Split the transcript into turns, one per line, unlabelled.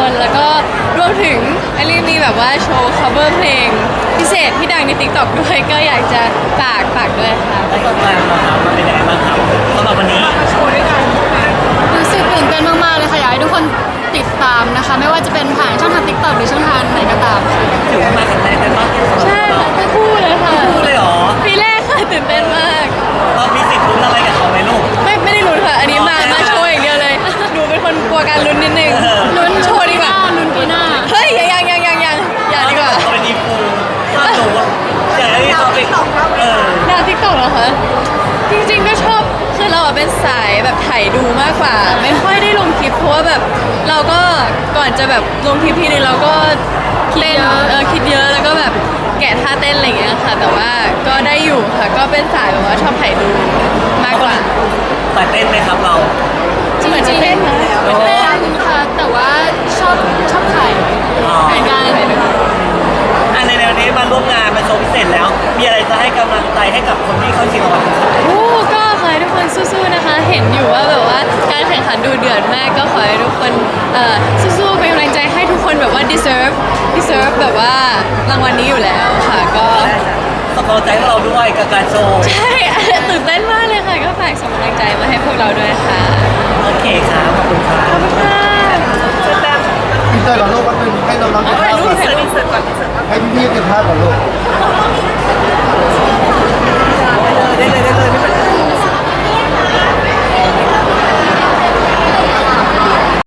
คนแล้วก็รวมถึงไอรีมีแบบว่าโชว์ cover เพลงพิเศษที่ดังใน TikTok ด้วยก็อยากจะฝากด้วยค่ะ
ประสบการณ์ของเรามันเป็นยังไงบ้างครับสำหรับวันนี้โชว์ด้วยกัน
รู้สึกตื่นเต้นมากๆเลยค่ะอยากให้ทุกคนติดตามนะคะไม่ว่าจะเป็นผ่านช่องทาง TikTok หรือช่องทางไหนก็ตามค่ะ
ถือว่ามาครั้งแรกกันบ้าง
ใช่ค่ะทั้งคู่เลยค่ะ
พูดเลยเหรอ
ปีแรกค่ะตื่นเต้นมาก
เรามีสิทธิ์ลุ้นอะไรกับเขาไหมลูก
ไม่ได้ลุ้นค่ะ อันนี้มาโชว์อย่างเดียวเลยหนูเป็นคนกลัวการลุ้นนิดนึงลุ้นโชว์ดีกว่า
ลุ้นปีหน้า
เฮ้ยยังอย่าดีกว่า
เขาเป็นอีฟูถ้าหนูอยากให้เขาไป
แนว TikTok เหรอคะจริงๆก็ชอบคือเราเป็นสายแบบถ่ายดูมากกว่า ไม่ค่อยได้ลงคลิปเพราะว่าแบบเราก็ก่อนจะแบบลงคลิปทีนึงเราก็เต้นคิดเยอะแล้วก็แบบแกะท่าเต้นอะไรอย่างเงี้ยค่ะ แต่ว่าก็ได้อยู่ค่ะก็เป็นสายแบบว่าชอบถ่ายดูมากกว่า
สายเต้นไหมครับเรา
เหมือนจะเต้นนะ
ไม่เต้นค่ะแต่ว่าชอบถ่ายเหมือนกัน
ในแนวนี้มาร่วมงานมาโชว์พิเศษแล้ว มีอะไรจะให้กำลังใจให้กับคนที่เข้าชิงรางวัลครับ
โอ้ก็ขอให้ทุกคนสู้ๆนะคะ เห็นอยู่ว่าแบบว่าการแข่งขันดูเดือดมากก็ขอให้ทุกคนสู้ๆเป็นกำลังใจให้ทุกคนแบบว่า deserve แบบว่ารางวัลนี้อยู่แล้วค่ะก็
สปอร์ตใจเราด้วยกับการโชว์
ใช่ ตื่นเต้นมากเลยค่ะ ก็ฝากส่งกำลังใจมาให้พวกเราด้วยค่ะ
โอเคครับ ขอบคุณครับ
ขอบคุณค่ะ
อินเตอร์กับโลกก็เป็นให้น้องๆเก็บภาพก่อนให้พี่ๆเก็บภาพก่อนลูก